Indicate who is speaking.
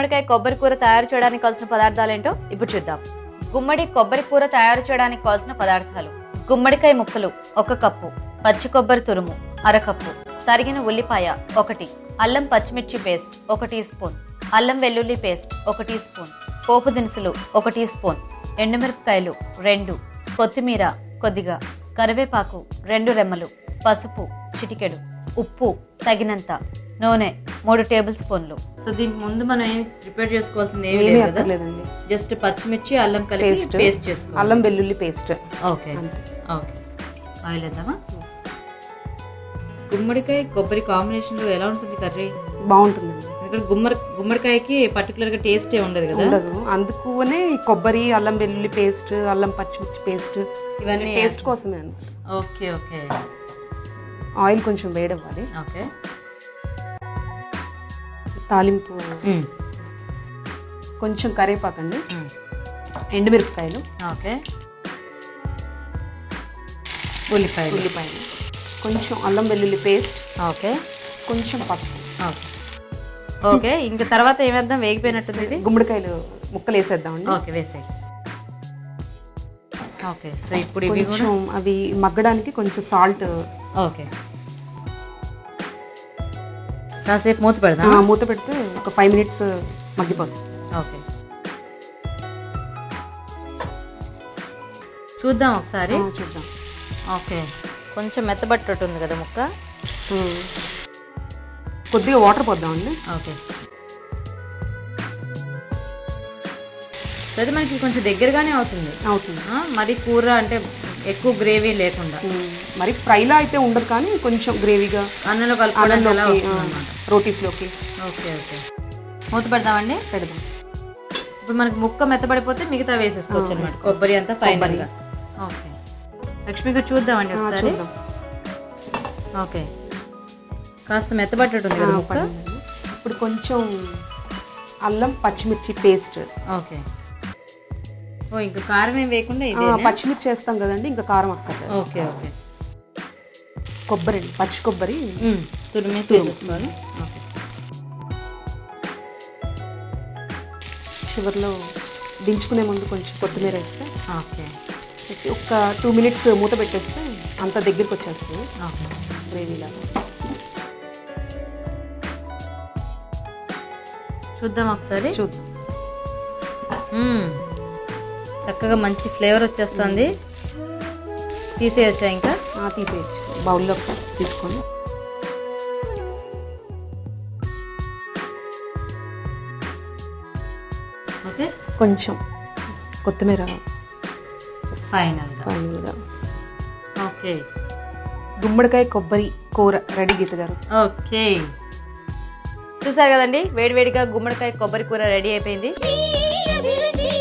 Speaker 1: గుమ్మడికాయ కొబ్బరి కూర తయారు చేయడానికి కావాల్సిన పదార్థాలు ఏంటో ఇప్పుడు చూద్దాం. గుమ్మడి కొబ్బరి కూర తయారు చేయడానికి కావాల్సిన పదార్థాలు: గుమ్మడికాయ ముక్కలు 1 కప్పు, పచ్చి కొబ్బరి తురుము 1/2 కప్పు, తరిగిన ఉల్లిపాయ 1, అల్లం పచ్చిమిర్చి పేస్ట్ 1 టీ స్పూన్, అల్లం వెల్లుల్లి పేస్ట్ 1 టీ స్పూన్, పోపు దినుసులు 1 టీ స్పూన్, ఎండుమిరపకాయలు 2, కొత్తిమీర కొద్దిగా, కరివేపాకు 2 రెమ్మలు, పసుపు చిటికెడు, ఉప్పు తగినంత, నూనె 3 టేబుల్ స్పూన్లు. సో దీనికి ముందు మనం ఏం ప్రిపేర్ చేసుకోవాల్సింది ఏమీ లేదండి. జస్ట్ పచ్చిమిర్చి అల్లం కలిపి పేస్ట్ చేసుకోవాలి.
Speaker 2: అల్లం వెల్లుల్లి పేస్ట్.
Speaker 1: Okay okay. ఆయిల్ వేద్దామా? గుమ్మడికాయ కొబ్బరి కాంబినేషన్ లో ఎలా ఉంటుంది కర్రీ?
Speaker 2: బాగుంటుందండి.
Speaker 1: ఇక్కడ గుమ్మడికాయకి పర్టికులర్ గా టేస్ట్ ఉండదు కదా,
Speaker 2: అందుకునే కొబ్బరి అల్లం వెల్లుల్లి పేస్ట్, అల్లం పచ్చిమిర్చి పేస్ట్ ఇవన్నీ టేస్ట్ కోసమే.
Speaker 1: Okay okay.
Speaker 2: ఆయిల్ కొంచెం వేడవ్వాలి.
Speaker 1: ఓకే.
Speaker 2: తాలింపు కొంచెం కరివేపాకండి, ఎండుమిరపకాయలు,
Speaker 1: ఓకే, ఉల్లిపాయలు,
Speaker 2: కొంచెం అల్లం వెల్లుల్లి పేస్ట్,
Speaker 1: ఓకే,
Speaker 2: కొంచెం పసుపు.
Speaker 1: ఓకే. ఇంకా తర్వాత ఏమేద్దాం? వేగిపోయినట్టుంది ఇది.
Speaker 2: గుమ్మడికాయలు ముక్కలు వేసేద్దామండి.
Speaker 1: ఓకే వేసేయి. ఓకే. సో ఇప్పుడు ఇవి
Speaker 2: కొంచెం అవి మగ్గడానికి కొంచెం సాల్ట్.
Speaker 1: ఓకే. కాసేపు మూత పెడదాం.
Speaker 2: మూత పెడితే ఒక 5 మినిట్స్ మగ్గిపోతుంది.
Speaker 1: ఓకే. చూద్దాం ఒకసారి.
Speaker 2: చూద్దాం.
Speaker 1: ఓకే. కొంచెం మెత్తబట్టేటుంది కదా ముక్క.
Speaker 2: కొద్దిగా వాటర్ పోద్దామండి.
Speaker 1: ఓకే. అది మనకి కొంచెం దగ్గరగానే అవుతుంది. మరి కూర అంటే ఎక్కువ గ్రేవీ లేకుండా,
Speaker 2: మరి ఫ్రైలా అయితే ఉండదు, కానీ కొంచెం గ్రేవీగా
Speaker 1: అన్నంలో కలుపుకోవడానికి,
Speaker 2: రోటీస్లోకి.
Speaker 1: Okay okay. మూత పెడదామండి.
Speaker 2: పెడదాం.
Speaker 1: ఇప్పుడు మనకి ముక్క మెత్తబడిపోతే మిగతా వేసేసుకోవచ్చు అనమాట, కొబ్బరి అంతా ఫైనల్ గా. ఓకే. లక్ష్మి గారు చూద్దామండి ఒకసారి. ఓకే. కాస్త మెత్తబట్టేటుంది కదా ముక్క.
Speaker 2: ఇప్పుడు కొంచెం అల్లం పచ్చిమిర్చి పేస్ట్.
Speaker 1: ఓకే. ఓ ఇంకా కారం ఏం వేయకుండా ఇది
Speaker 2: పచ్చిమిర్చి వేస్తాం కదండి, ఇంకా కారం అక్కర్లేదు.
Speaker 1: Okay okay.
Speaker 2: కొబ్బరి, పచ్చి కొబ్బరి
Speaker 1: తురిమేసి వేసుకోవాలి. ఓకే.
Speaker 2: చివరిలో దించుకునే ముందు కొంచెం కొత్తిమీర వేస్తే.
Speaker 1: ఓకే.
Speaker 2: ఒక 2 మినిట్స్ మూత పెట్టేస్తే అంత దగ్గరికి వచ్చేస్తుంది.
Speaker 1: ఓకే.
Speaker 2: గ్రేవీ లాగా.
Speaker 1: చూద్దాం ఒకసారి.
Speaker 2: చూద్దాం.
Speaker 1: చక్కగా మంచి ఫ్లేవర్ వచ్చేస్తుంది. తీసేయచ్చా? ఇంకా
Speaker 2: తీసేయచ్చు. బౌల్లో తీసుకొని
Speaker 1: ఓకే.
Speaker 2: కొంచెం కొత్తిమీర
Speaker 1: ఫైనల్గా. ఓకే.
Speaker 2: గుమ్మడికాయ కొబ్బరి కూర రెడీ గీత గారు.
Speaker 1: ఓకే. చూసారు కదండి, వేడివేడిగా గుమ్మడికాయ కొబ్బరి కూర రెడీ అయిపోయింది.